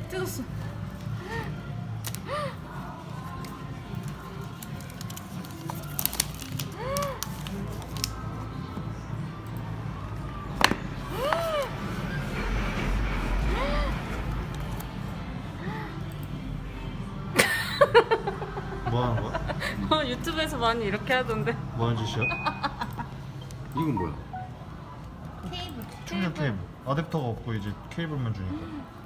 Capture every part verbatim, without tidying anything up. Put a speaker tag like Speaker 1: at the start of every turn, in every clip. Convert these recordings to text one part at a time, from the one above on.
Speaker 1: 뜯었어.
Speaker 2: 뭐 하는 거야?
Speaker 1: 어, 유튜브에서 많이 이렇게 하던데.
Speaker 2: 뭐 하는 짓이야?
Speaker 3: 이건 뭐야?
Speaker 1: 케이블.
Speaker 2: 충전 케이블. 아댑터가 없고 이제 케이블만 주니까.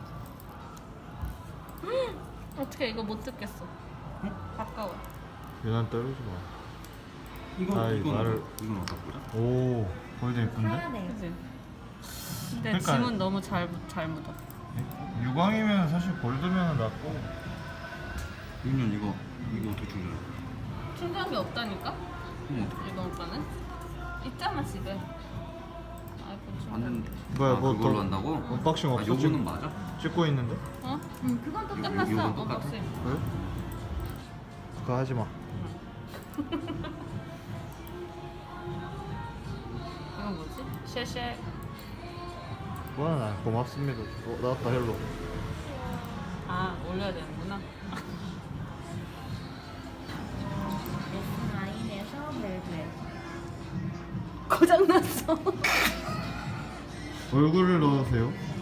Speaker 1: 어떻게 이거 못 듣겠어? 가까워.
Speaker 2: 얘는 떨리지 마.
Speaker 3: 이건
Speaker 2: 아이,
Speaker 3: 이건
Speaker 2: 말을-
Speaker 3: 어떡- 이건 어떨 거야?
Speaker 2: 오, 거의 이쁜데?
Speaker 1: 그지? 근데
Speaker 2: 그러니까-
Speaker 1: 짐은 너무 잘, 잘 묻어.
Speaker 2: 유광이면 사실 골드면 낫고.
Speaker 3: 윤현 이거 이거 어떻게 충전해?
Speaker 1: 충전기 없다니까?
Speaker 3: 그럼 어떡해?
Speaker 1: 이번 오빠는? 있잖아 집에. 아이폰 충전.
Speaker 3: 안 되는데.
Speaker 2: 뭐야,
Speaker 3: 아,
Speaker 2: 뭐
Speaker 3: 그걸로
Speaker 2: 더
Speaker 3: 한다고?
Speaker 2: 언박싱
Speaker 3: 아,
Speaker 2: 없어?
Speaker 3: 요거는
Speaker 2: 지금
Speaker 3: 맞아?
Speaker 2: 찍고 있는데?
Speaker 1: 어? 응 그건 또
Speaker 3: 요-
Speaker 1: 끝났어.
Speaker 3: 요건 똑같아?
Speaker 1: 언박싱.
Speaker 2: 그래? 그거 하지 마.
Speaker 1: 이건 뭐지? 쉐쉐.
Speaker 2: 뭐야, 나 고맙습니다. 어, 나왔다 헬로.
Speaker 1: 아 올려야 되는구나.
Speaker 4: 라인에서 멜브레.
Speaker 1: 고장 났어.
Speaker 2: 얼굴을 넣으세요.